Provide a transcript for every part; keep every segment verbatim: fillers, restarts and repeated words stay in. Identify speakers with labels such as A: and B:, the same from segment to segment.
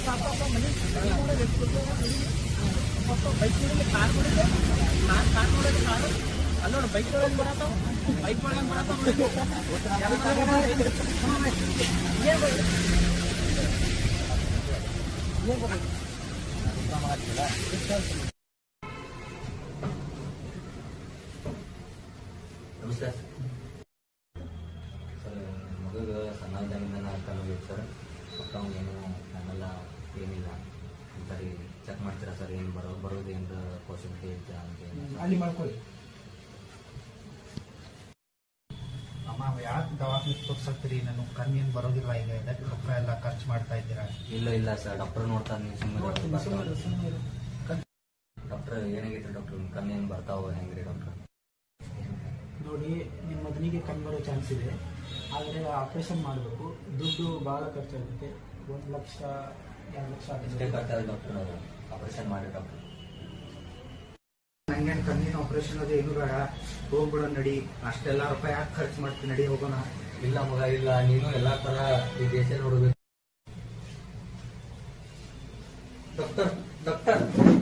A: Bike car ನೋಡಿದ್ರೆ car car ನೋಡಿದ್ರೆ car ಅಲ್ಲೋಡ ಬೈಕ್ ಒಳಗೆ ಬರತ್ತಾವ ಬೈಕ್ ಒಳಗೆ ಬರತ್ತಾವ
B: ನಮಸ್ಕಾರ ಸರ್. ಮಗುಗೆ ಸಣ್ಣ ಇದ್ದಾಗಿಂದ ಕಲಿಬೇಕು ಸರ್. ಮಕ್ಕಳು ಏನು ನನ್ನೆಲ್ಲ ಏನಿಲ್ಲ ಸರಿ ಚೆಕ್ ಮಾಡ್ತೀರಾ ಸರ್? ಏನು ಬರೋ ಬರೋದು ಏನು ಪಾಸಿಬಿಲಿಟಿ ಐತೆ ಅಂತ
C: ಅಲ್ಲಿ ಮಾಡ್ಕೊಳ್ಳಿ. ಅಮ್ಮ ಯಾಕೆ ದವಾಖಾನೆ ತೋರ್ಸಕ್ತೀರಿ? ನಾನು ಕಮ್ಮಿ ಏನು ಬರೋದಿಲ್ಲ, ಈಗ ಇದಕ್ಕೆ ರೊಕ್ಕ ಎಲ್ಲ ಖರ್ಚು ಮಾಡ್ತಾ ಇದ್ದೀರಾ?
B: ಇಲ್ಲ ಇಲ್ಲ ಸರ್, ಡಾಕ್ಟರ್ ನೋಡ್ತಾನೆ. ನೀವು ಸುಮ್ಮನೆ ಡಾಕ್ಟರ್ ಏನಾಗೈತೆ ಡಾಕ್ಟರ್? ಕಮ್ಮಿ ಏನು ಬರ್ತಾವ ಹೆಂಗ್ರಿ ಡಾಕ್ಟರ್?
C: ನೋಡಿ, ನಿಮ್ಮ ಮಗನಿಗೆ ಕಮ್ಮಿ ಬರೋ ಚಾನ್ಸ್ ಇದೆ, ಆದರೆ ಆಪರೇಷನ್ ಮಾಡಬೇಕು. ದುಡ್ಡು ಭಾಳ ಖರ್ಚಾಗುತ್ತೆ. ಒಂದು ಲಕ್ಷ ಎರಡು ಲಕ್ಷ
B: ಎಷ್ಟೇ
C: ಆಗುತ್ತೆ.
B: ಖರ್ಚಾಗ ಡಾಕ್ಟರ್ ಆಪರೇಷನ್ ಮಾಡಿ ಡಾಕ್ಟರ್?
C: ನಂಗೇನು ಕಣ್ಣಿನ ಆಪರೇಷನ್ ಅದು ಏನು ಬೇಡ, ಹೋಗ್ಬಿಡೋ ನಡಿ. ಅಷ್ಟೆಲ್ಲ ರೂಪಾಯಿ ಯಾಕೆ ಖರ್ಚು ಮಾಡ್ತೀನಿ, ನಡಿ ಹೋಗೋಣ.
B: ಇಲ್ಲ ಮಗ ಇಲ್ಲ, ನೀನು ಎಲ್ಲಾ ತರ ಈ ದೇಶ ನೋಡ್ಬೇಕು. ಡಾಕ್ಟರ್ ಡಾಕ್ಟರ್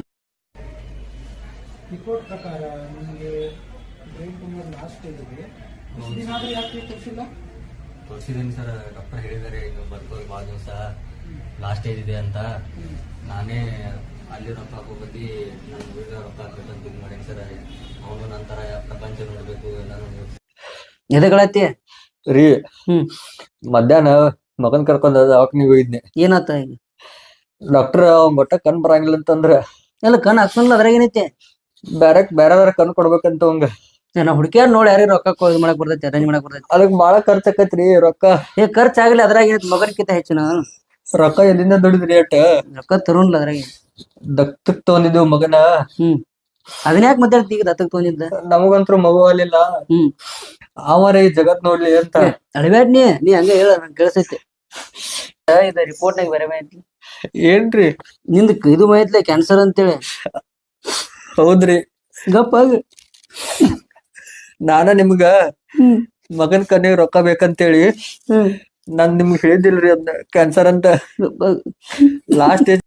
C: ರಿಪೋರ್ಟ್ ಪ್ರಕಾರ ನಿಮಗೆ ಬ್ರೈನ್ ಟ್ಯೂಮರ್ ಲಾಸ್ಟ್ ಸ್ಟೇಜ್ ಇದೆ. ದಿನ ಆದರೂ ಯಾಕೆ ತೋರಿಸಿಲ್ಲ?
B: ತೋರಿಸಿದ್ದೀನಿ ಸರ್, ಡಾಕ್ಟರ್ ಹೇಳಿದ್ದಾರೆ ಇನ್ನು ಬರ್ಕೋದು ಭಾಳ ದಿವಸ ಲಾಸ್ಟ್ ಸ್ಟೇಜ್ ಇದೆ ಅಂತ. ನಾನೇ ಅಲ್ಲಿ ರೊಕ್ಕ ಹಾಕೋ ಬದ್ಲಿ ನನ್ನ ಹುಡುಗ ರೊಕ್ಕ ಹಾಕ್ಬೇಕಂತ ಇದು ಮಾಡೀನಿ ಸರ್. ಅವನು ನಂತರ ಪ್ರಪಂಚ ನೋಡ್ಬೇಕು ಎಲ್ಲ ನೋಡ್ಬೇಕು.
D: ಎದಗಳತಿ
E: ರೀ
D: ಹ್ಮ್
E: ಮಧ್ಯಾಹ್ನ ಮಗನ್ ಕರ್ಕೊಂಡ್ ದವಾಖಾನಿಗೆ ಹೋಗಿದ್ನಿ.
D: ಏನಾತ ಈಗ?
E: ಡಾಕ್ಟರ್ ಅವ್ನ್ ಒಟ್ಟ ಕಣ್ ಬರಂಗಿಲ್ಲ ಅಂತಂದ್ರ
D: ಎಲ್ಲ ಕಣ್ ಹಾಕ್ಸಲ್ಲ, ಅದ್ರಾಗ ಏನೈತಿ?
E: ಬ್ಯಾರೆ ಬೇರೆ ಬೇರೆ ಕಣ್ ಕೊಡ್ಬೇಕಂತ ಅವಂಗ.
D: ನಾ ಹುಡುಕಿಯಾರ್ ನೋಡಿ ಯಾರಿಗೆ ರೊಕ್ಕ ಇದು ಮಾಡಕ್ ಬರ್ತೈತಿ, ಅರೇಂಜ್ ಮಾಡಕ್ ಬರ್ತೈತಿ.
E: ಅದಕ್ ಬಾಳ ಖರ್ಚ್ ಆಕತ್ರಿ ರೊಕ್ಕ.
D: ಏ ಖರ್ಚ್ ಆಗ್ಲಿ, ಅದ್ರಾಗ ಏನೈತಿ? ಮಗನ್ಕಿಂತ ಹೆಚ್ಚಿನ
E: ರೊಕ್ಕ ಎಲ್ಲಿಂದ ದುಡಿದ್ರಿ ಅಟ್?
D: ರೊಕ್ಕ ತರುನ್ಲ ಅದ್ರಾಗ.
E: ದತ್ತಕ್ ತಗೊಂಡಿದ್ವು ಮಗನ.
D: ಹ್ಮ್ ಅದನ್ನ ಯಾಕೆ ಮಾತಾಡ್ತಿ ಈಗ? ದತ್ತಕ್ ತಗೊಂಡಿದ್ದ
E: ನಮಗಂತ್ರು ಮಗು ಅಲ್ಲಿಲ್ಲ.
D: ಹ್ಮ್
E: ಅವರ ಈ ಜಗತ್ ನೋಡ್ಲಿ ಅಂತ.
D: ಅಳಬ್ಯಾಡ್ ನೀ ನೀ ಹಂಗ ಹೇಳ, ನಂಗೆ ಕೇಳಿಸೈತಿ. ಇದ ರಿಪೋರ್ಟ್ನಾಗ ಬೇರೆ ಮಾಹಿತಿ
E: ಏನ್ರಿ?
D: ನಿಂದ ಇದು ಮಾಹಿತಿ ಕ್ಯಾನ್ಸರ್ ಅಂತೇಳಿ.
E: ಹೌದ್ರಿ.
D: ಗಪ್ಪ ಆಗ.
E: ನಾನ ನಿಮ್ಗ
D: ಹ್ಮ್
E: ಮಗನ್ ಕಣ್ಣಿಗೆ ರೊಕ್ಕ ಬೇಕಂತೇಳಿ
D: ಹ್ಮ್
E: ನಾನ್ ನಿಮ್ಗೆ ಹೇಳಿದಿಲ್ರಿ ಅದ್ನ ಕ್ಯಾನ್ಸರ್ ಅಂತ.
D: ಗಪ್ಪ ಆಗ.
E: ಲಾಸ್ಟ್